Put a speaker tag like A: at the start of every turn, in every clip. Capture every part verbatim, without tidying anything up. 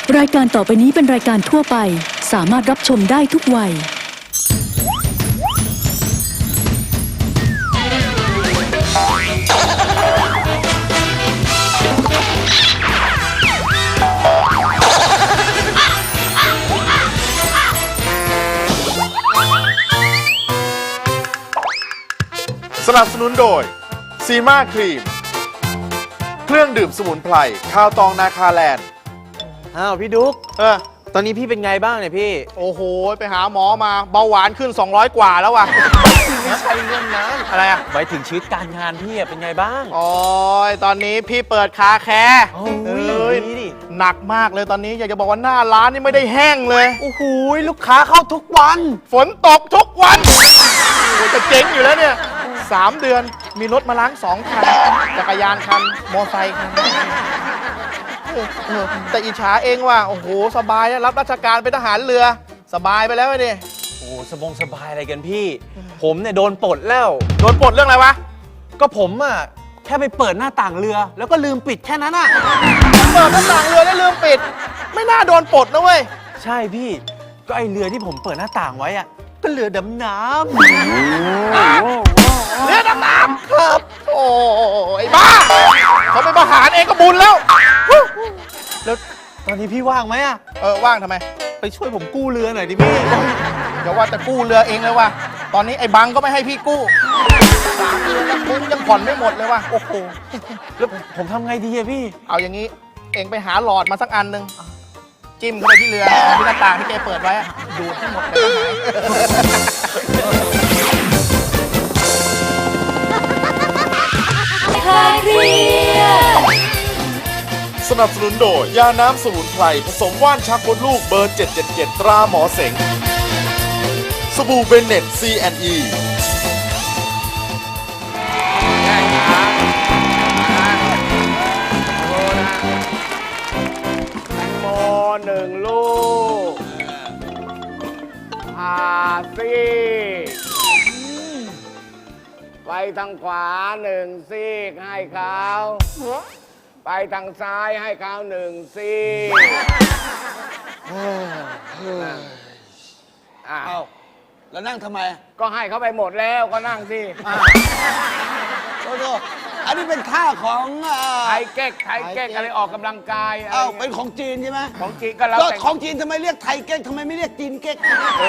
A: รายการต่อไปนี้เป็นรายการทั่วไปสามารถรับชมได้ทุกวัย
B: สนับสนุนโดยซีมาครีมเครื่องดื่มสมุนไพรข้าวตองนาคาแลนด์
C: อ้าวพี่ดุ๊ก
D: เออ
C: ตอนนี้พี่เป็นไงบ้างเนี่ยพี่
D: โอ้โหไปหาหมอมาเบาหวานขึ้นสองร้อยกว่าแล้วว่ะ
C: ไม่ใช่เรื่องนั้น
D: อะไรอ่ะ
C: หมายถึงชีวิตการงานพี่อะเป็นไงบ้าง
D: โอ้ยตอนนี้พี่เปิดคาแคร์
C: โอ้
D: เอ้
C: ย
D: ย
C: ดีดิ
D: หนักมากเลยตอนนี้อยากจะบอกว่าหน้าร้านนี่ไม่ได้แห้งเลย
C: โอ้โหลูกค้าเข้าทุกวัน
D: ฝนตกทุกวันโอ้ยจะเจ๊งอยู่แล้วเนี่ยสามเดือนมีรถมาล้างสองคันจักรยานคันมอไซค์คันเออเออแต่อิจฉาเองว่าโอ้โหสบายนะรับราชการเป็นทหารเรือสบายไปแล้วเนี่ย
C: โอ้สบงสบายอะไรกันพี่ ผมเนี่ยโดนปลดแล้ว
D: โดนปลดเรื่องอะไรวะ
C: ก็ผมอะแค่ไปเปิดหน้าต่างเรือ แล้วก็ลืมปิดแค่นั้นอะ
D: เปิดหน้าต่างเรือแล้วลืมปิด ไม่น่าโดนปลดนะเว้ย
C: ใช่พี่ ก็ไอเรือที่ผมเปิดหน้าต่างไว้อะก็เรือดำน้ำ
D: เรือดำน้ำครับ โอ้ไอ้บ้าเขาเป็นทหารเองก็บุญแล้ว
C: แล้วตอนนี้พี่ว่างไหมอะ
D: เออว่างทำไม
C: ไปช่วยผมกู้เรือหน่อยดิพี่
D: เดี๋ยวว่าจะกู้เรือเองเลยว่ะตอนนี้ไอ้บังก็ไม่ให้พี่กู้สามเดือนแล้วมุ้งยังผ่อนไม่หมดเลยว่ะโอ้โห
C: แล้วผมทำไงดีอะพี่
D: เอาอย่างนี้เองไปหาหลอดมาสักอันหนึ่งจิ้มเข้าไปที่เรือที่หน้าต่างที่แกเปิดไว้อะดูดให้หมดเลยก็หาย
B: สนับสนุนโดยยาน้ำสมุนไพรผสมว่านชักมดลูกเบอร์เจ็ดเจ็ดเจ็ดตราหมอเสงสบู่เบนเน็ต ซี แอนด์ อี
E: โมหนึ่งลูกผ่าซีกไปทางขวาหนึ่งซีกให้เขาไปทางซ้ายให้เขาหนึ่งซีกอ่ะ
F: เอ้าแล้วนั่งทำไม
E: ก็ให้เขาไปหมดแล้วก็นั่งสิ
F: โทษโทษอันนี้เป็นท่าของเอ่อ
E: ไทยเก๊กไทยเก๊กอะไรออกกำลังกายอะไร
F: เอ้าเป็นของจีนใช่ไหม
E: ของจีนก็เรา
F: ก็
E: แต่ง
F: ของจีนทำไมเรียกไทยเก๊กทำไมไม่เรียกจีนเก๊ก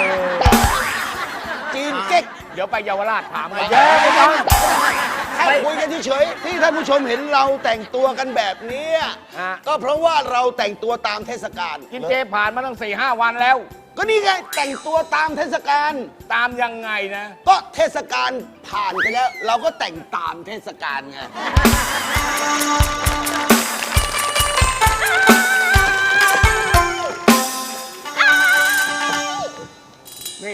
F: จีนเก๊ก
E: เดี๋ยวไปเยาวราชถามกัน
F: เยอะไปจังแค่คุยกันเฉยๆที่ท่านผู้ชมเห็นเราแต่งตัวกันแบบนี้
E: ฮะ
F: ก็เพราะว่าเราแต่งตัวตามเทศกาล
E: กินเจผ่านมาตั้งสี่ห้าวันแล้ว
F: ก็นี่ไงแต่งตัวตามเทศกาล
E: ตามยังไงนะ
F: ก็เทศกาลผ่านไปแล้ว เราก็แต่งตามเทศกาลไง
E: นี่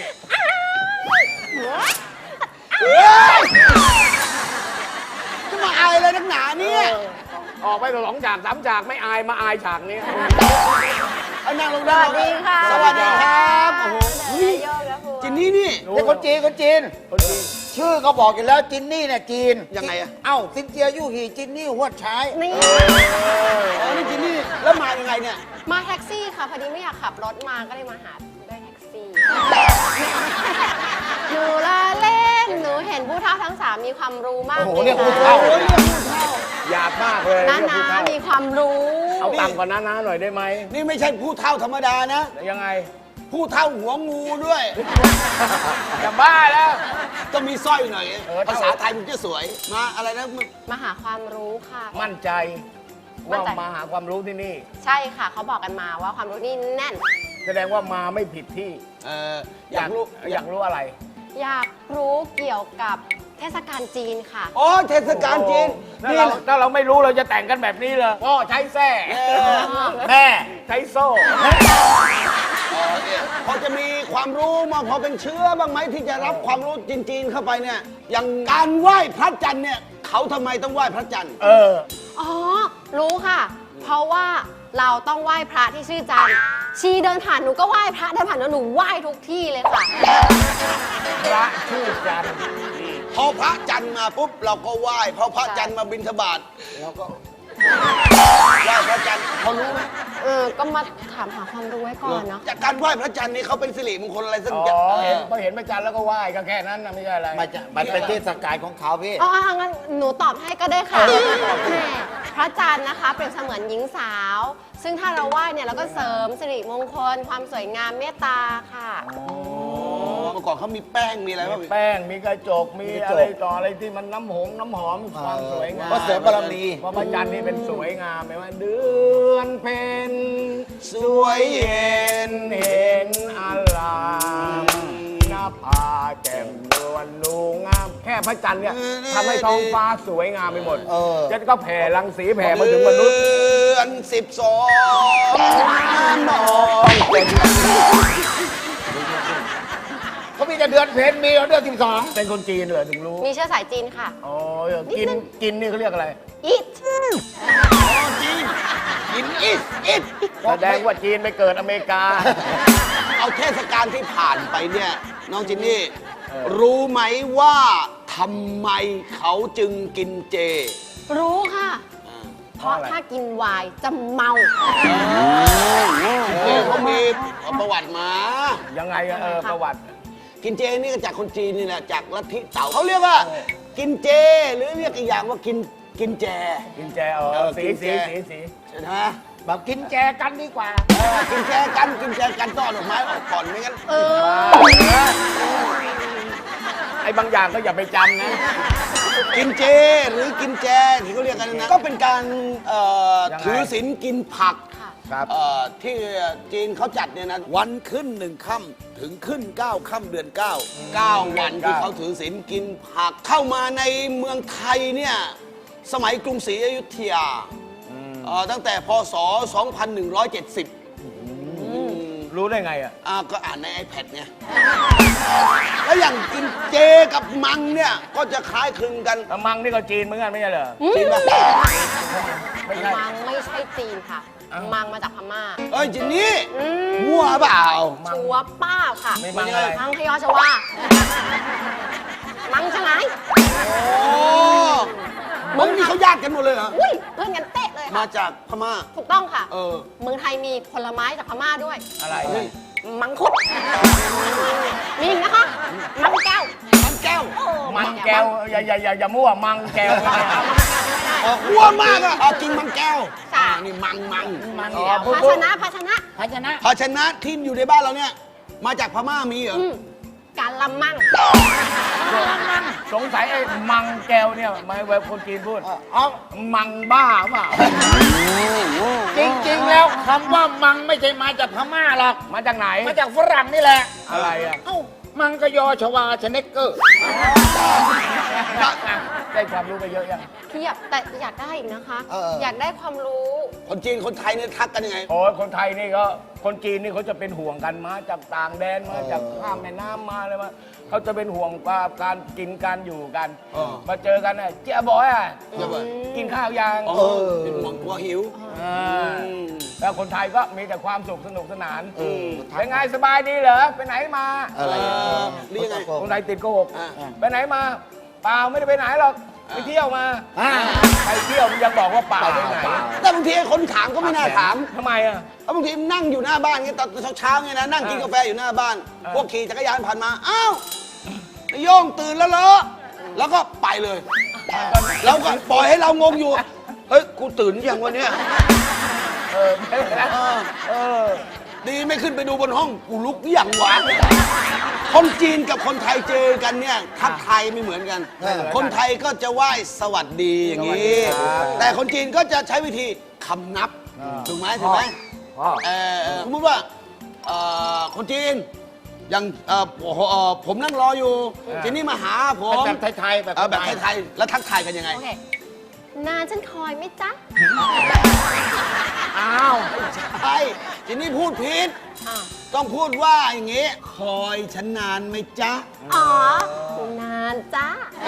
F: จะมาอายอะไรนักหนาเนี่ย
E: ออกไปสองฉากสามฉากไม่อายมาอายฉากนี้
F: เอานั่งลงได้สวัสดีค่ะ สวัสดีครับโอ้โหเฮ้ยจินนี่นี่
G: นี่คนจีนคนจีน ชื่อก็บอกอยู่แล้วจินนี่เนี่ยจีน
F: ยังไงอะ
G: เอ้าซินเจียยู่หีจินนี่หัวดใช้
H: นี่
F: อ๋อนี่จินนี่แล้วมายังไงเนี่ย
H: มาแท็กซี่ค่ะ พอดีไม่อยากขับรถมาก็เลยมาหาด้วยแท็กซี่ หนูละเล่น หนูเห็นผู้เฒ่าทั้งสามมีความรู้มาก
G: โอ้โห
H: ล
G: เรียกผู้เฒ่า
F: โอ้ยเรียกผู้เฒ่า
E: หยาบมากเลย
H: น้า
E: เรื่อง
H: นา
E: ผู้เฒ่า
H: มีความรู้
E: เอาต่ำกว่าน้านาหน่อยได้ไหม
F: นี่ไม่ใช่ผู้เฒ่าธรรมดานะ
E: ยังไง
F: ผู้เฒ่าหัวงูด้วย
E: จะบ้าแล้ว
F: ก็มีสร้อยหน่อย
E: เออ
F: ภาษาไทยมันจะสวย มาอะไรนะมึง
H: มาหาความรู้ค่ะ
E: มั่นใจ
H: มั่
E: ว่าน
H: ใจ
E: มาหาความรู้ที่นี่
H: ใช่ค่ะ เขาบอกกันมาว่าความรู้นี่แน่น
E: แสดงว่ามาไม่ผิดที่
F: เอออยากรู้
E: อยากรู้อะไร
H: อยากรู้เกี่ยวกับเทศกาลจีนค่ะ
F: อ๋อเทศกาลจีน
E: ถ้า
F: นี่
E: เรา
F: แหละ
E: ถ้าเราไม่รู้เราจะแต่งกันแบบนี้เลยพ่อใช้แส้
F: เออ
E: แม่ใช้โซ่
F: อ๋อเนี่ยพอจะมีความรู้มาพอเป็นเชื้อบ้างไหมที่จะรับความรู้จีนๆเข้าไปเนี่ย อย่างการไหว้พระจันทร์เนี่ยเขาทำไมต้องไหว้พระจันทร์
E: เออ
H: อ๋อ รู้ค่ะ เพราะว่าเราต้องไหว้พระที่ชื่อจันทร์ชีเดินผ่านหนูก็ไหว้พระเดินผ่านหนูหนูไหว้ทุกที่เลยค่ะ
E: พระชื่อจันทร์
F: พอพระจันทร์มาปุ๊บเราก็ไหว้พอพระจันทร์มาบิณฑบาตเราก็ไหว้พระจันทร์เขารู้ไหม
H: เออก็มาถามหาความรู้ไว้ก่อนเนาะ
F: จากการไหว้พระจันทร์นี่เขาเป็นสิริมงคลอะไรสัก
E: อ๋
F: อย่าง
E: อเห็นพอเห็นพระจันทร์แล้วก็ไหว้ก็แค่นั้นนะไม่ใช่อะไร
G: มันจะมันเป็นเทศกาลของเขาพี่
H: อ๋องั้นหนูตอบให้ก็ได้ค่ะแหม่พระจันทร์นะคะเปรียบเสมือนหญิงสาว ซึ่งถ้าเราไหว้เนี่ยเราก็เสริมสิริมงคล ความสวยงามเมตตาค่ะ
F: เมื่อก่อนเขามีแป้งมีอะไรบ้าง
E: มีแป้งมีกระจกมีอะไรต่ออะไรที่มันน้ำหอมน้ำหอมมีความสวยงาม
G: ก็เสริมบารมี
E: เพราะพระจันทร์นี่เป็นสวยงามไหมว่าเดือนเพ็ญ
F: สวยเย็น
E: เห็นอลามหน้าผาแจ่มนวลนูงาม แค่พระจันทร์เนี่ยทำให้ท้องฟ้าสวยงามไปหมด
G: เออ
E: จะก็แผ่รังสีแผ่มาถึงมนุษย์
F: เดือนสิบสองมอง
E: เขามีแต่เดือนเพ็ญมีเดือนสิบสองเป็นคนจีนเหรอถึงรู้
H: มีเชื้อสายจีนค่ะ
E: อ๋อกินกินนี่เขาเรียกอะไร
H: eat
F: กินอิสอิส
E: แสดงว่าจีนไปเกิดอเมริกา
F: เอาเทศกาลที่ผ่านไปเนี่ย น้องจินนี่ รู้ไหมว่าทำไมเขาจึงกินเจ
H: รู้ค่ะ เพราะถ้ากินไวน์จะเมา
F: เจเขามีประวัติมา
E: ยังไงอะเออประวัติ
F: กินเจนี่ก็จากคนจีนนี่แหละจากลัทธิเต๋าเขาเรียกว่า กินเจ หรือเรียกอีกอย่างว่ากินกินแจ
E: กินแจเอ
F: เอ
E: อ
F: อ
E: สี
F: กินแจ
E: สีสีสี
F: ใช่ไหม
G: แบบกินแจกันดีกว่า
F: เออกินแจกันกินแจกันต้อนดอกไม้ออกก่อนไม่งั้น
H: เออ
E: ไอ้บางอย่างก็อย่าไปจำนะ
F: กินเจหรือกินแจที่เขาเรียกกันนะก็เป็นการเอ่อ
E: ยังไง
F: ถือศีลกินผัก
E: ครับ
F: เอ่อที่จีนเขาจัดเนี่ยนะวันขึ้นหนึ่งค่ำถึงขึ้นเก้าค่ำเดือนเก้าเก้าวันที่เขาถือศีลกินผักเข้ามาในเมืองไทยเนี่ยสมัยกรุงศรีอยุธยาเอ่อตั้งแต่พศ สองพันหนึ่งร้อยเจ็ดสิบ
E: รู้ได้ไงอ่ะ
F: อ่าก็อ่านใน iPad ไงแล้วอย่างกินเจกับมังเนี่ยก็จะคล้ายคลึงกัน
E: แล้วมังนี่ก็จีนเหมือนกันไม่ใช่เหรอ
F: จริงปะ
E: ไม่ใช่
H: มังไม่ใช่จีนค่ะ มังมาจากพม่า
F: เอ้ยจินนี่
H: อืม
F: มั่วเปล่า
H: ชัวร์เป้าค่ะ
E: ไม่มังอะไร
H: มังพยอชวา มังจะไง
F: โอ้มึงนี่เขาญาติกันหมดเลยเหรอ
H: อุ้ยเพื่อนกันเตะเลย
F: มา
H: ค่ะ
F: จากพม่า
H: ถูกต้องค่ะ
F: เออ
H: เมืองไทยมีผลไม้จากพม่าด้วย
E: อะไร
H: มังคุด มีอีกนะคะ มังแก้ว
F: มันแก้ว
H: โอ้
E: มังแก้วอย่าอย่าอย่าอย่ามั่วมังแก้วไม่ได้
F: ออกมั่วมากอะเอากินมังแก้วอ่านี่มังมัง
E: มัง
H: ภา
E: พูด
H: ชนะภาชนะ
G: ภาชนะ
F: ภาชนะที่อยู่ในบ้านเราเนี่ย มาจากพม่ามีเหรอ
H: อืมการละมัง
E: สงสัยไอ้มังแก้วเนี่ยไม่เว็บคนจีนพูดอ๋อมังบ้าเปล่า
G: จริงๆ แล้วคำว่ามังไม่ใช่มาจากพม่าหรอก
E: มาจากไหน
G: มาจากฝรั่งนี่แหละ
E: อะไรอ่ะ
G: เอ้า มังกยอชวาชเนกเกอร์
E: ได้ความรู้ไปเยอะยัง
H: เทียบแต่อยากได้อีกนะคะ
F: เออ
H: อยากได้ความรู้
F: คนจีนคนไทยเนี่ยทักกันยังไง
E: โอ้ยคนไทยนี่ก็คนจีนนี่เขาจะเป็นห่วงกันมาจากต่างแดนมาจากข้ามแม่น้ำมาอะไรมาเขาจะเป็นห่วงว่าการกินการอยู่กัน
F: เออ
E: มาเจอกันน่ะเจ๊บอยอ่ะ
F: เจ๊บอย
E: กินข้าวยัง
F: เออเป็นห่วงกลัวหิว
E: อ่า
F: อืม
E: แล้วคนไทยก็มีแต่ความสุขสนุกสนาน
F: อืม
E: เป็นไงสบายดีเหรอไปไหนมา
G: อะไร
F: เอ
G: อ่ะ
F: อหรือยังไง
E: คนไทยติดโกหก
F: อ่า
E: ไปไหนมา เปล่าไม่ได้ไปไหนหรอกไปเที่ยวมา
G: อ่า
E: ไปเที่ยวมันยังบอกว่าเปล่าไปไหน
F: แต่บางทีคนถามก็ไม่น่าถาม
E: ทำไมอ่ะ
F: เพราะบางทีนั่งอยู่หน้าบ้านเงี้ยตอนเช้าๆเงี้ยนะนั่งกินกาแฟอยู่หน้าบ้าน
E: อ่า
F: พวกขี่จักรยานผ่านมาอ้าวไอ้โย่งตื่นแล้วเหรอแล้วก็ไปเลยเราก็ปล่อยให้เรางงอยู่เฮ้ยกูตื่นยังวันเนี้ย
E: เออไม่เป็นไร
F: เออ
E: เออ
F: ดีไม่ขึ้นไปดูบนห้องกูลุกอย่างหวานคนจีนกับคนไทยเจอกันเนี่ยทักทายไม่เหมือนกัน คนไทยก็จะไหว้สวัสดีอย่างนี้ แต่คนจีนก็จะใช้วิธีคำนับถูกไหมถูกไหม
E: พ่อ
F: เอ่อเอ่อสมมติว่าเอ่อคนจีนอย่างเอ่อผมเอ่อผมนั่งรออยู่จีนนี่มาหาผม
G: แบบไทยๆแบบ
F: เอ่อแบบไทยๆแล้วทักทายกันยังไง
H: โอเค นานฉันคอยไหมจ๊ะ
E: อ้าว
F: ใช่จีนนี่พูดผิด
H: อ่า
F: ต้องพูดว่าอย่างงี้ คอยฉันนานไหมจ๊ะ
H: อ๋อ นานจ้า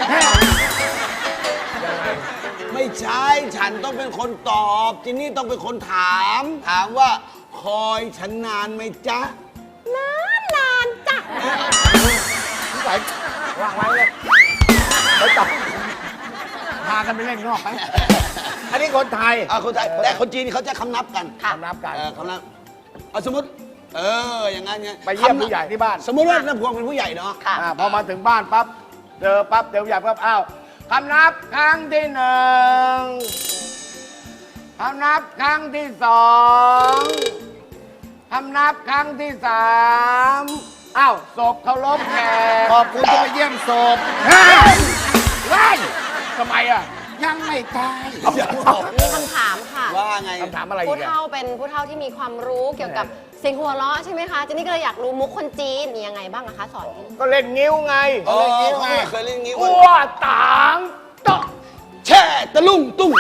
F: ไม่ใช่ ฉันต้องเป็นคนตอบจินนี่ต้องเป็นคนถาม ถามว่า คอยฉันนานไหมจ๊ะ
H: นานนานจ้ะ
E: วางไว้เลยไปจับพากันไปเล่นนอกไป
G: อันนี้คนไทย
F: อ่าคนไทยแต่คนจีนเขาจะคำนับกัน
E: คำนับกัน
F: เออคำนับเอาสมมติ เออ อย่างงั้นไง
E: ไปเยี่ยมผู้ใหญ่ที่บ้าน
F: สมมติว่าน้าพวงเป็นผู้ใหญ่เนาะ
H: ค่ะ
E: อ่าพอมาถึงบ้านปั๊บเจอปั๊บเดี๋ยวอยากปั๊บอ้าวคำนับครั้งที่หนึ่งคำนับครั้งที่สองคำนับครั้งที่สามอ้าวศพเคารพแขก
G: ขอบคุณที่มาเยี่ยมศพ
E: ไล่ทำไมอ่ะ
G: ยังไม่ตาย
H: มีคำถามค่ะ
F: ว่าไง
E: คำถามอะไร
H: ผู้
E: อีกอะ
H: เฒ่าเป็นผู้เฒ่าที่มีความรู้เกี่ยวกับเสียงหัวเราะใช่ไหมคะเจนนี่ก็เลยอยากรู้มุกคนจีนมียังไงบ้างอะคะสอน
E: ก็เล่นงิ้วไง
F: เออเขาเคยเล่นงี้
E: อ้วต่างโตะ
F: แช่ตะลุ่งตุ้ง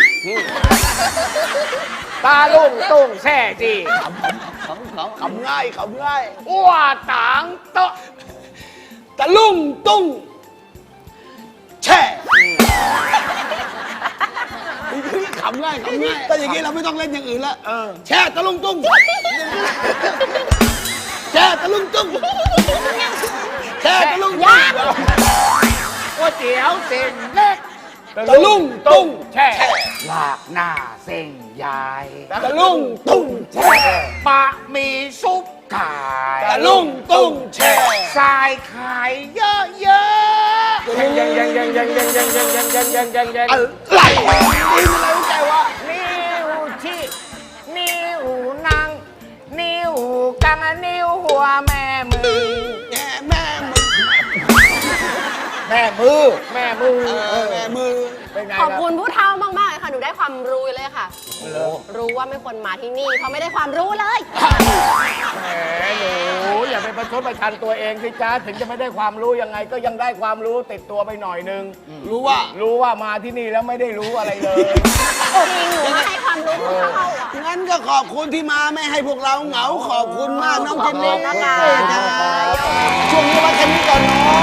E: ตาลุ่งตุ้งแช่จี
F: เขาเขาขำง่ายขำง่าย
E: อ้วต่างโตะ
F: ตะลุ่งตุ้งแช่ขำง่ายขำง่ายแต่อย่างนี้เราไม่ต้องเล่นอย่างอื่นละแช่ตะลุ่งตุ้งแช่ตะลุ่งตุ้งแช่ตะลุ่งตุ้ง
E: ก๋วยเตี๋ยวเส้นเล็ก
F: ตะลุ่งตุ้ง
E: แช่
G: ลากหน้าเส้นใหญ่
F: ตะลุ่งตุ้งแช่
G: ปะหมีซุปไก่
F: ตะลุ่งตุ้งแช่
G: ทรายไข่เยอะ
E: ยังยังยังยังยังยังยังยังยังยังยังยังยัง
F: อะไรนี่อะไรใจวะ
E: นิ้วชี้นิ้วนางนิ้วกลางนิ้วหัวแม่มือ
F: แง่แม่มือ
E: แม่มือ แม่มือ
F: เออแม่มือ
E: เป็นไง
H: ขอบ
E: ล่ะ
H: คุณผู้เฒ่ามากๆเลยค่ะหนูได้ความรู้เลยค่ะ รู้ว่าไม่ควรมาที่นี่เพราะไม่ได้ความรู้เลย
E: แหมหนูอย่าไปประชดประชันตัวเองสิจ้าถึงจะไม่ได้ความรู้ยังไง ก็ยังได้ความรู้ติดตัวไปหน่อยนึง
F: รู้ว่า
E: รู้ว่ามาที่นี่แล้วไม่ได้รู้อะไรเลย
H: จริงหนูมาให้ความรู้ผู้เฒ่าอ่ะ
F: งั้นก็ขอบคุณที่มาไม่ให้พวกเราเหงา ขอบคุณมากน้องเจนนี่
H: ขอบคุณนะคะ
F: จ้าช่วงนี้ไว้แค่นี้ก่อนเนาะ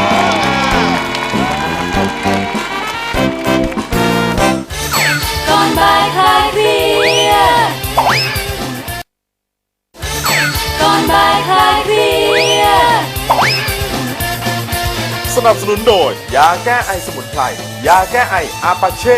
A: ก่อนบ่ายคลายเครียดก่อนบ่ายคลายเครียด
B: สนับสนุนโดย ยาแก้ไอสมุนไพร ยาแก้ไออาปาเช่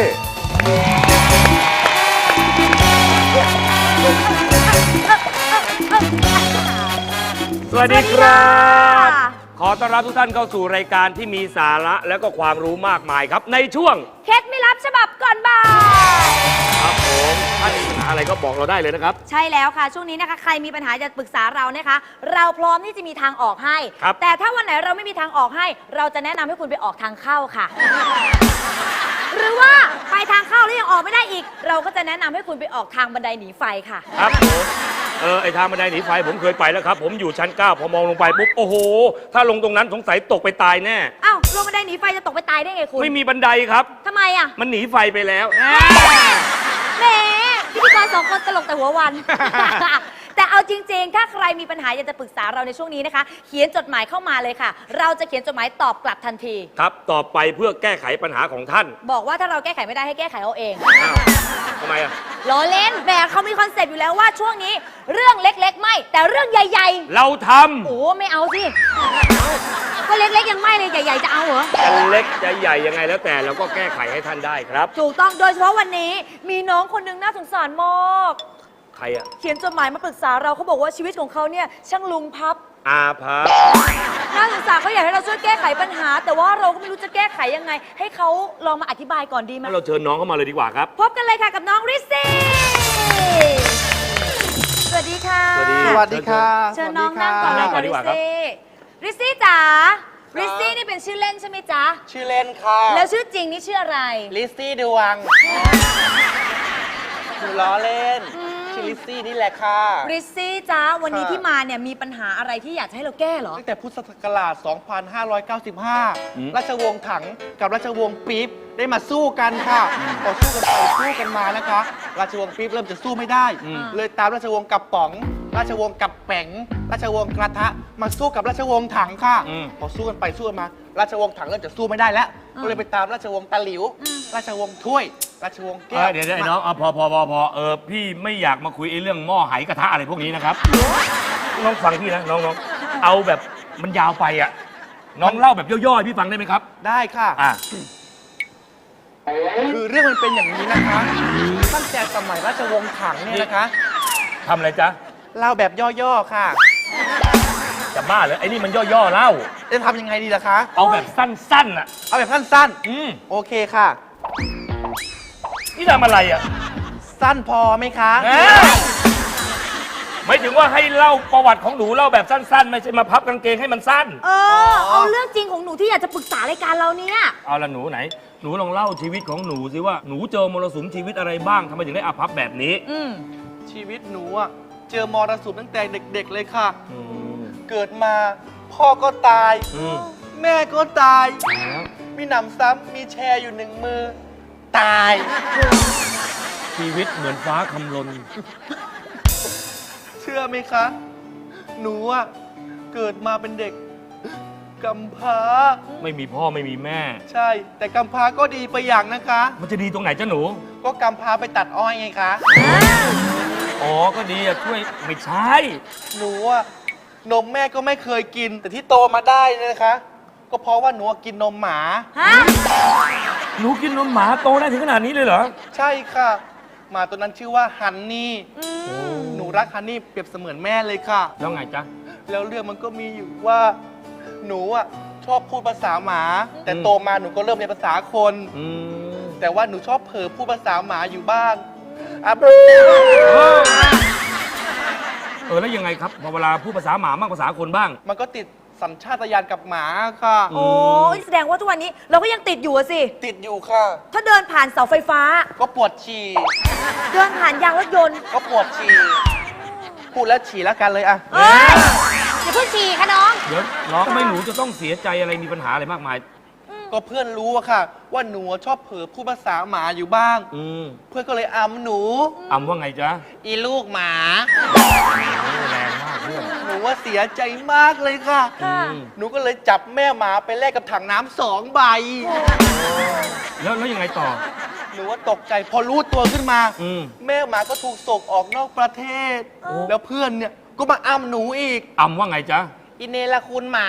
I: สวัสดีครับ ขอต้อนรับทุกท่านเข้าสู่รายการที่มีสาระและก็ความรู้มากมายครับในช่วง
J: เคล็ดไม่รับฉบับก่อนบ่าย
I: ครับผมถ้ามีปัญหาอะไรก็บอกเราได้เลยนะครับ
J: ใช่แล้วค่ะ ช่วงนี้นะคะ ใครมีปัญหาจะปรึกษาเรานะคะ เราพร้อมที่จะมีทางออกให้
I: ครับ
J: แต่ถ้าวันไหนเราไม่มีทางออกให้ เราจะแนะนำให้คุณไปออกทางเข้าค่ะ หรือว่าไปทางเข้าแล้วยังออกไม่ได้อีก เราก็จะแนะนำให้คุณไปออกทางบันไดหนีไฟค่ะ
I: ครับผมเออไอทางบันไดหนีไฟผมเคยไปแล้วครับ ผมอยู่ชั้นเก้าพอมองลงไปปุ๊บโอ้โห ถ้าลงตรงนั้นสงสัยตกไปตายแน่
J: อ้าวลงบันไดหนีไฟจะตกไปตายได้ไงคุณ
I: ไม่มีบันไดครับ
J: ทำไมอ่ะ
I: มันหนีไฟไปแล้ว
J: แหมพิธีกรสองคนตลกแต่หัววัน แต่เอาจริงๆ ถ้าใครมีปัญหาอยากจะปรึกษาเราในช่วงนี้นะคะ เขียนจดหมายเข้ามาเลยค่ะ เราจะเขียนจดหมายตอบกลับทันที
I: ครับต่อไปเพื่อแก้ไขปัญหาของท่าน
J: บอกว่าถ้าเราแก้ไขไม่ได้ให้แก้ไขเอาเอง
I: อ้าวทำไมอ่ะ
J: ล้อเล่นแหมเขามีคอนเซปต์อยู่แล้วว่าช่วงนี้เรื่องเล็กๆ ไม่ แต่เรื่องใหญ่
I: เราท
J: ๆ โอ้ไม่เอาสิก็เล็กๆ ยังไม่เลยใหญ่ๆ จะเอาเหรอ
I: ำจะเล็กจะใหญ่ยังไงแล้วแต่เราก็แก้ไขให้ท่านได้ครับ
J: ถูกต้องโดยเฉพาะวันนี้มีน้องคนหนึงน่าสงสารมาก
I: ใครอ่ะ
J: เขียนจดหมายมาปรึกษาเราเขาบอกว่าชีวิตของเขาเนี่ยช่างลุงพับ
I: อาภัพ
J: น่าสงสารเขาอยากให้เราช่วยแก้ไขปัญหา แต่ว่าเราก็ไม่รู้จะแก้ไขยังไง ให้เขาลองมาอธิบายก่อนดีไหม
I: งั้นเราเชิญน้องเข้ามาเลยดีกว่าครับ
J: พบกันเลยค่ะกับน้องริซซี่สวัสดีค่ะ
I: สวัสดี
D: สวัสดีค่ะ
J: เชิญน้องนั่งก่อนเลย
I: นั่งก่
J: ค่ะ
I: อนดี
J: ริ
I: ก
J: ซ
I: ว่าครับ
J: ซี่ริซซี่จ๋าริซซี่นี่เป็นชื่อเล่นใช่ไหมจ๊ะ
D: ชื่อเล่นค่ะ
J: แล้วชื่อจริงนี่ชื่ออะไร
D: ลิซซี่ดวงหนูล้อเล่น ชื่อลิซซี่นี่แหละค่ะ
J: ริซซี่จ๊ะวันนี้
D: ค่ะ
J: ที่มาเนี่ยมีปัญหาอะไรที่อยากจะให้เราแก้เหรอ
D: ตั้งแต่พุทธศักราช สองพันห้าร้อยเก้าสิบห้า ราชวงศ์ถังกับราชวงศ์ปี๊บได้มาสู้กันค่ะพอสู้กันไปสู้กันมานะคะ ราชวงศ์ปี๊บเริ่มจะสู้ไม่ได้ เลยตามราชวงศ์กับป๋อง ราชวงศ์กับแป๋ง ราชวงศ์กระทะ มาสู้กับราชวงศ์ถังค่ะ
I: อืม
D: พอสู้กันไปสู้กันมา ราชวงศ์ถังเริ่มจะสู้ไม่ได้แล้ว ก็เลยไปตามราชวงศ์ตะหลิว ราชวงศ์ถ้วย ราชวงศ์แก้
I: เอ
D: ว
I: อเดี๋ยวเดี๋ยวไอ้น้องเอาพอพอพอพอเออพี่ไม่อยากมาคุยไอ้เรื่องหม้อไหกระทะอะไรพวกนี้นะครับ น้องฟังพี่นะน้องน้องเอาแบบมันยาวไปอ่ะ น้องเล่าแบบย่อๆให้พี่ฟังได้ไหมครับ
D: ได้ค่ะ
I: อ่ะ
D: คือเรื่องมันเป็นอย่างนี้นะคะ ตั้งแต่สมัยราชวงศ์ถังเนี่ยนะคะ
I: ทำอะไรจ๊ะ
D: เล่าแบบย่อๆค่ะ
I: จะบ้าเหรอไอ้นี่มันย่อๆเล่า
D: จะทำยังไงดีล่ะคะ
I: เอาแบบสั้นๆอ่ะ
D: เอาแบบสั้น
I: อืม
D: ๆ โอเคค่ะ
I: นี่ทำอะไรอ่ะ
D: สั้นพอไหมคะ
I: เอ้ยไม่ถึงว่าให้เล่าประวัติของหนูเล่าแบบสั้น ๆ ไม่ใช่มาพับกางเกงให้มันสั้น
J: เออ เอาเรื่องจริงของหนูที่อยากจะปรึกษารายการเราเนี่ย
I: เอาละหนูไหน หนูลองเล่าชีวิตของหนูสิว่าหนูเจอมรสุมชีวิตอะไรบ้างทำไมถึงได้อาภัพแบบนี้
J: อืม
D: ชีวิตหนูอะเจอมรสุมตั้งแต่เด็กๆเลยค่ะ
I: อืม
D: เกิดมาพ่อก็ตาย
I: อืม
D: แม่ก็ตาย
I: แล้ว
D: มีหนำซ้ำมีแชร์อยู่หนึ่งมือ ตาย
I: ชีวิตเหมือนฟ้าคำลน
D: เชื่อไหมคะ หนูอะเกิดมาเป็นเด็กกำพร้า
I: ไม่มีพ่อไม่มีแม่
D: ใช่ แต่กำพร้าก็ดีไปอย่างนะคะ
I: มันจะดีตรงไหนจ้ะหนู
D: ก็กำพร้าไปตัดอ้อยไงคะ
I: อ๋อ ก็ดีอะช่วยไม่ใช่
D: หนูอะนมแม่ก็ไม่เคยกิน แต่ที่โตมาได้เนยนะคะ ก็เพราะว่าหนูอะกินนมหมา
J: ฮะ
I: หนูกินนมหมาโตได้ถึงขนาดนี้เลยเหรอ
D: ใช่ค่ะหมาตัวนั้นชื่อว่าฮันนี่
J: อืม
D: หนูรักฮันนี่เปรียบเสมือนแม่เลยค่ะ
I: แล้วไงจ๊ะ
D: แล้วเรื่องมันก็มีอยู่ว่า หนูอ่ะชอบพูดภาษาหมา แต่
I: อืม
D: โตมาหนูก็เริ่มเรียนภาษาคน
I: อืม
D: แต่ว่าหนูชอบเผลอพูดภาษาหมาอยู่บ้างอ่ะ
I: เออแล้วยังไงครับพอเวลาพูดภาษาหมาบ้างภาษาคนบ้าง
D: มันก็ติดสัญชาตญาณกับหมาค่ะ
J: โอ้ยแสดงว่าทุกวันนี้เราก็ยังติดอยู่อะสิ
D: ติดอยู่ค่ะ
J: ถ้าเดินผ่านเสาไฟฟ้า
D: ก็ปวดฉี่
J: เดินผ่านยางรถยนต์
D: ก็ปวดฉี่พูดแล้วฉี่แล้วกันเลยอ่ะ
J: เอ้ยอย่าเพิ่งฉี่ค่ะน้อง
I: เดี๋ยวน้องไม่หนูจะต้องเสียใจอะไรมีปัญหาอะไรมากมาย
D: ก็เพื่อนรู้อะค่ะ ว่าหนูชอบเผลอพูดภาษาหมาอยู่บ้าง
I: อืม
D: เพื่อนก็เลยอำหนู
I: อำว่าไงจ๊ะ
D: อีลูกหมา
I: แรงมากเพื่อน
D: หนูว่าเสียใจมากเลยค่ะ
J: ค่ะ
I: อืม
D: หนูก็เลยจับแม่หมาไปแลกกับถังน้ำสองใบ
I: แล้วแล้วยังไงต่อ
D: หนูว่าตกใจพอรู้ตัวขึ้นมา
I: อืม
D: แม่หมาก็ถูกส่งออกนอกประเทศ แล้วเพื่อนเนี่ยก็มาอ้ำหนูอีก
I: อำว่าไงจ๊ะ
D: อินเนลคุณหมา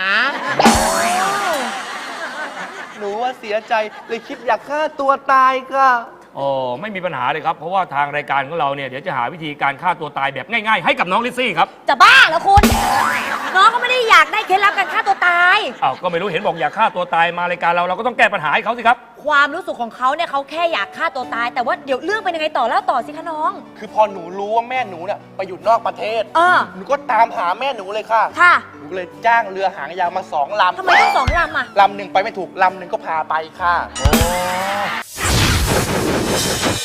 D: หนูว่าเสียใจเลยคิดอยากฆ่าตัวตายค่ะ
I: อ๋อ ไม่มีปัญหาเลยครับ เพราะว่าทางรายการของเราเนี่ยเดี๋ยวจะหาวิธีการฆ่าตัวตายแบบง่ายๆ ให้กับน้องลิซซี่ครับ
J: จะบ้าเหรอคุณ น้องก็ไม่ได้อยากได้เคล็ดลับการฆ่าตัวตาย
I: อ้าวก็ไม่รู้เห็นบอกอยากฆ่าตัวตายมารายการเราเราก็ต้องแก้ปัญหาให้เขาสิครับ
J: ความรู้สึกของเขาเนี่ยเขาแค่อยากฆ่าตัวตาย แต่ว่าเดี๋ยวเรื่องเป็นยังไงต่อแล้วต่อสิคะน้อง
D: คือพอหนูรู้ว่าแม่หนูเนี่ยไปอยู่นอกประเทศ
J: เออ
D: หนูก็ตามหาแม่หนูเลยค่ะ
J: ค่ะ
D: หนูก็เลยจ้างเรือหางยาวมาสองลำ
J: ทำไมต้องสองลำอ่ะ
D: ลำหนึ่งไปไม่ถูก ลำหนึ่งก็พาไปค่ะ
I: โอ้